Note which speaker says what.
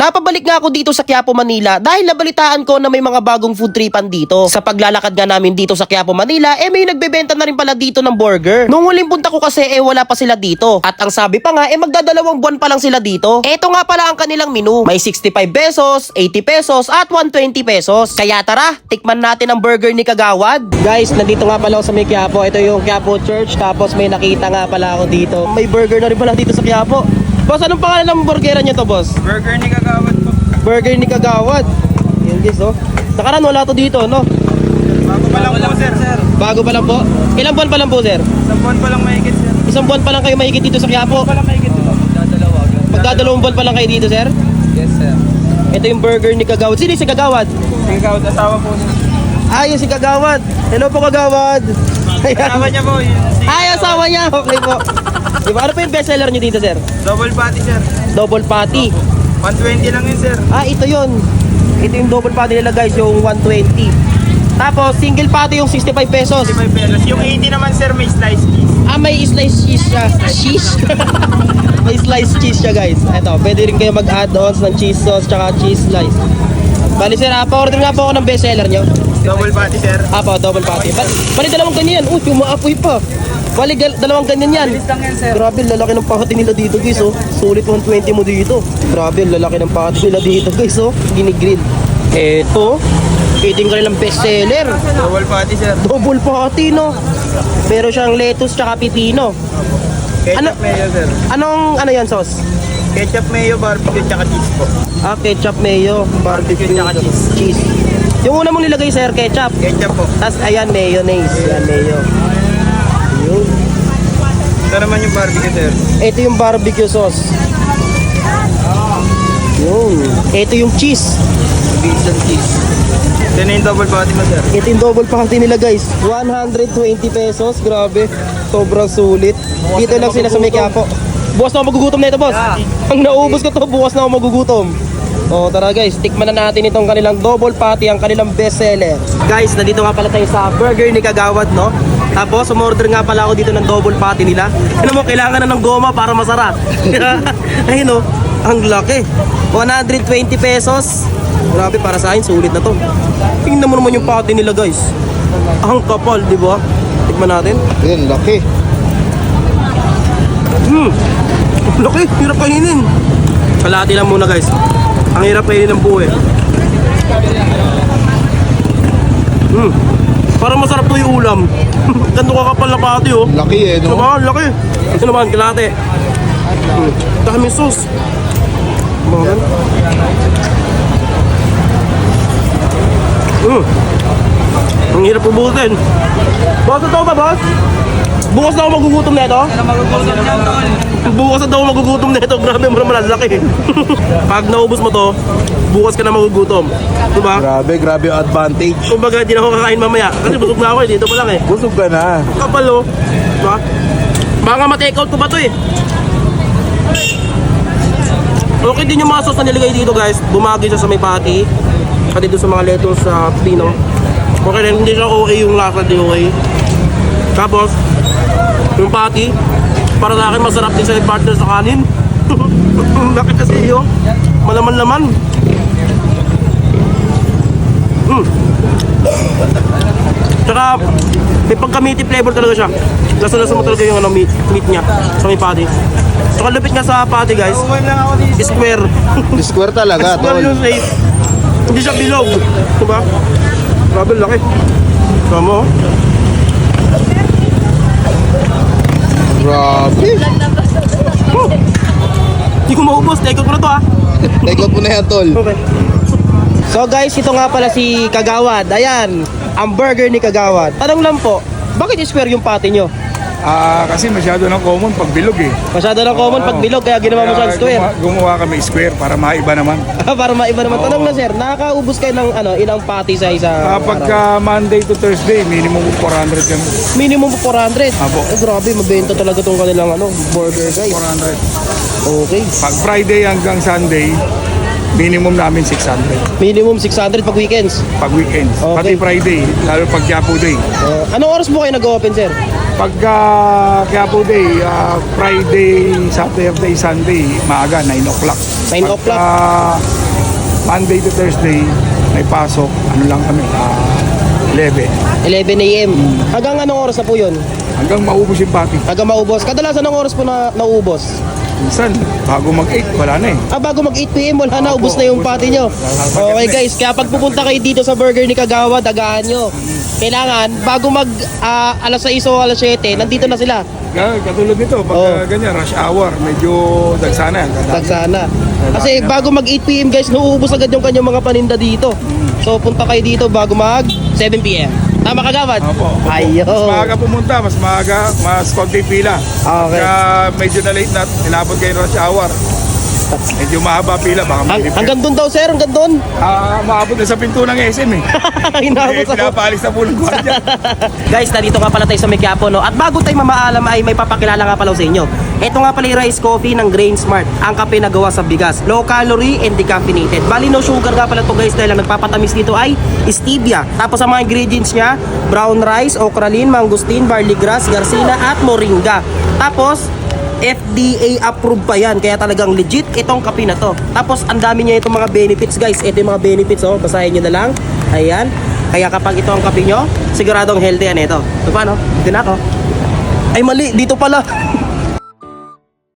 Speaker 1: Napabalik nga ako dito sa Quiapo, Manila dahil nabalitaan ko na may mga bagong food tripan dito. Sa paglalakad nga namin dito sa Quiapo, Manila, may nagbebenta na rin pala dito ng burger. Nung huling punta ko kasi wala pa sila dito. At ang sabi pa nga magdadalawang buwan pa lang sila dito. Eto nga pala ang kanilang menu. May 65 pesos, 80 pesos at 120 pesos. Kaya tara, tikman natin ang burger ni Kagawad. Guys, nandito nga pala ako sa may Quiapo. Ito yung Quiapo Church. Tapos may nakita nga pala ako dito. May burger na rin pala dito sa Quiapo. Boss, anong pangalan ng burgeran nyo to, boss?
Speaker 2: Burger ni Kagawad po.
Speaker 1: Burger ni Kagawad. Yan guys, oh. Nakaraan wala to dito, no?
Speaker 2: Bago pa lang po, sir.
Speaker 1: Bago pa lang po? Ilang buwan pa lang po, sir?
Speaker 2: Isang buwan pa lang mahigit, sir.
Speaker 1: Isang buwan pa lang kayo mahigit dito sa Quiapo?
Speaker 2: Pa lang mahigit ito.
Speaker 1: Magdadalawang buwan pa lang kayo dito, sir?
Speaker 2: Yes, sir.
Speaker 1: Ito yung burger ni Kagawad. Sino yung si Kagawad?
Speaker 2: Si Kagawad, asawa po niya.
Speaker 1: Yung si Kagawad. Hello po, Kagawad.
Speaker 2: Asawa niya po.
Speaker 1: Asawa niya. Okay po. Diba, ano po yung bestseller niyo dito, sir?
Speaker 2: Double patty, sir.
Speaker 1: Double patty.
Speaker 2: 120 lang yun, sir.
Speaker 1: Ito yun. Ito yung double patty nila, guys, yung 120. Tapos, single patty yung 65 pesos.
Speaker 2: 65 pesos. Yung 80 naman, sir, may slice cheese.
Speaker 1: May slice cheese siya. Cheese? May slice cheese siya, guys. Ito, pwede rin kayo mag-add-ons ng cheese sauce tsaka cheese slice. Bali, sir, pa-order nga po ako ng bestseller nyo.
Speaker 2: Double patty, sir.
Speaker 1: Double patty. Bali, dalawang ganyan. Umaapoy pa. Bali, dalawang ganyan yan.
Speaker 2: Bilis lang yan, sir.
Speaker 1: Grabe, lalaki ng pakati nila dito, guys, oh. Sulit 120 mo dito. Grabe, lalaki ng pakati nila dito, guys, oh. Ginigrill. Ito yung kanilang bestseller.
Speaker 2: Double patty, sir.
Speaker 1: Double patty, no? Meron siyang lettuce tsaka pipino.
Speaker 2: Ketchup mayo, sir.
Speaker 1: Ano yan, sauce?
Speaker 2: Ketchup mayo, barbecue, tsaka cheese po.
Speaker 1: Ketchup mayo, barbecue,
Speaker 2: tsaka
Speaker 1: cheese. Yung una mong nilagay, sir, ketchup.
Speaker 2: Ketchup po.
Speaker 1: Tapos, ayan, mayonnaise. Ayan, mayo. Yun.
Speaker 2: Ito naman yung barbecue, sir.
Speaker 1: Ito yung barbecue sauce. Yun. Ito yung cheese.
Speaker 2: Beef cheese. Ito na yung double patty mo, sir.
Speaker 1: Ito yung double patty nila, guys. 120 pesos. Grabe. Sobrang sulit. Dito lang sila sa may Quiapo. Bukas na ako magugutom na ito, boss. Ang naubos ko to, bukas na ako magugutom. Tara guys, tikman na natin itong kanilang double patty, ang kanilang bestseller. Guys, nandito nga pala tayo sa burger ni Kagawad, no? Tapos, umorder nga pala ako dito ng double patty nila. Ano mo, kailangan na ng goma para masarap. Ayun, no? Ang laki. 120 pesos. Grabe, para sa akin, sulit na to. Tingnan mo naman yung patty nila, guys. Ang kapal, di ba? Tikman natin.
Speaker 3: Yan, laki.
Speaker 1: Laki, hirap kainin. Kalahati lang muna, guys. Ang hirap kainin ng buo, eh. Parang masarap to yung ulam. Ganito kakapal na patty, oh.
Speaker 3: Laki eh, no?
Speaker 1: Diba? Laki. Ito naman, kalahati. Dami sauce. Bakit? Ang hirap ubutin. Boss, ito ba, boss? Bukas na ako magugutom na ito?
Speaker 2: Magugutom niyan, tol.
Speaker 1: Bukas na daw magugutom na ito. Grabe, maraming laki. Pag naubos mo to, bukas ka na magugutom. Diba?
Speaker 3: Grabe yung advantage.
Speaker 1: Kumbaga, di na ako kakain mamaya. Kasi busog na ako eh. Dito pa lang eh.
Speaker 3: Busog ka na.
Speaker 1: Kapal, oh. Diba? Baka ma-take out ko ba to eh. Okay din yung mga sauce na nilagay dito, guys. Bumagi siya sa may patty. Pati doon sa mga lettuce sa pino. Okay rin, hindi siya okay yung lasa, di okay. Tapos, yung patty, para sa akin masarap din sa partner sa kanin. Laki kasi yun. Malaman-laman. Tsaka, may pagka-meaty flavor talaga siya. Lasa-lasa mo talaga yung meat niya sa may patty. Tsaka lupit nga sa patty, guys.
Speaker 2: Uwan lang ako dito.
Speaker 1: Square.
Speaker 3: Square talaga,
Speaker 1: Square
Speaker 3: tol.
Speaker 1: yung shape. Hindi siya bilog. Diba? Grabe, laki. Tama, oh.
Speaker 3: Grabe.
Speaker 1: Hindi ko maubos. Take out ko na to, ha.
Speaker 3: Take out mo na yan, tol.
Speaker 1: Okay. So guys, ito nga pala si Kagawad. Ayan, ang burger ni Kagawad. Tanong lang po, bakit square yung patty nyo?
Speaker 4: Kasi masyado ng common pag bilog eh.
Speaker 1: Masyado na common pag bilog, kaya ginawa mo siyang square.
Speaker 4: Gumawa kami square para maiba naman.
Speaker 1: Para maiba naman. Tanong lang, sir, nakakaubos kayo ng ilang patty sa isa? araw?
Speaker 4: Pagka Monday to Thursday, minimum 400 kami.
Speaker 1: Minimum 400.
Speaker 4: Apo.
Speaker 1: Grabe, mabenta talaga tong kanilang burger, guys.
Speaker 4: 400.
Speaker 1: Okay.
Speaker 4: Pag Friday hanggang Sunday, minimum namin 600
Speaker 1: Minimum 600 pag weekends.
Speaker 4: pag weekends.
Speaker 1: Okay.
Speaker 4: Pati Friday, lalo pag Quiapo Day.
Speaker 1: Anong oras po kayo nag-open, sir?
Speaker 4: Pagka Quiapo Day, Friday, Saturday, Sunday, maaga, 9 o'clock.
Speaker 1: 9 o'clock.
Speaker 4: Monday to Thursday, may pasok, ano lang kami, 11.
Speaker 1: 11 a.m. Hanggang anong oras na po yun?
Speaker 4: Hanggang maubos yung pati.
Speaker 1: Hanggang maubos. Kadalasan anong oras po na naubos?
Speaker 4: Minsan, bago mag-8, wala na eh.
Speaker 1: Bago mag 8 p.m. wala na, ubos na yung party nyo. Okay guys, kaya pag pupunta kayo dito sa burger ni Kagawa, dagaan nyo. Kailangan, bago mag alas 6 o alas 7, nandito na sila.
Speaker 4: Katulad nito, pag ganyan, rush hour, medyo dagsana yan.
Speaker 1: Tagsana. Kasi bago mag 8 p.m. guys, nauubos agad yung kanyang mga paninda dito. So punta kayo dito bago mag 7 p.m. Tama Kagawad?
Speaker 4: Opo.
Speaker 1: Ayun.
Speaker 4: Mas maaga pumunta, mas maaga, mas konti pila.
Speaker 1: Okay.
Speaker 4: Kaya medyo na late na, inabot kayo rush hour. Medyo mahaba pila, baka mailip.
Speaker 1: Hanggang doon daw sir, hanggang doon.
Speaker 4: Maabot na sa pinto ng SM eh.
Speaker 1: Inabot ako.
Speaker 4: Pinapaalis na po ng gwardiya.
Speaker 1: Guys, nandito nga pala tayo sa Mequiapo, no? At bago tayo mamaalam ay may papakilala nga pala sa inyo. Ito nga pala yung rice coffee ng Grain Smart. Ang kape na gawa sa bigas. Low calorie and decaffeinated. Bali no sugar nga pala to guys dahil ang nagpapatamis dito ay stevia. Tapos ang mga ingredients niya, brown rice, okralin, mangosteen, barley grass, garcina at moringa. Tapos FDA approved pa yan, kaya talagang legit itong kape na to. Tapos ang dami niya itong mga benefits guys. Ito yung mga benefits, oh, basahin nyo na lang. Ayan. Kaya kapag ito ang kape nyo, siguradong healthy yan ito. Ito pa no? Dito na ako. Ay mali, dito pala.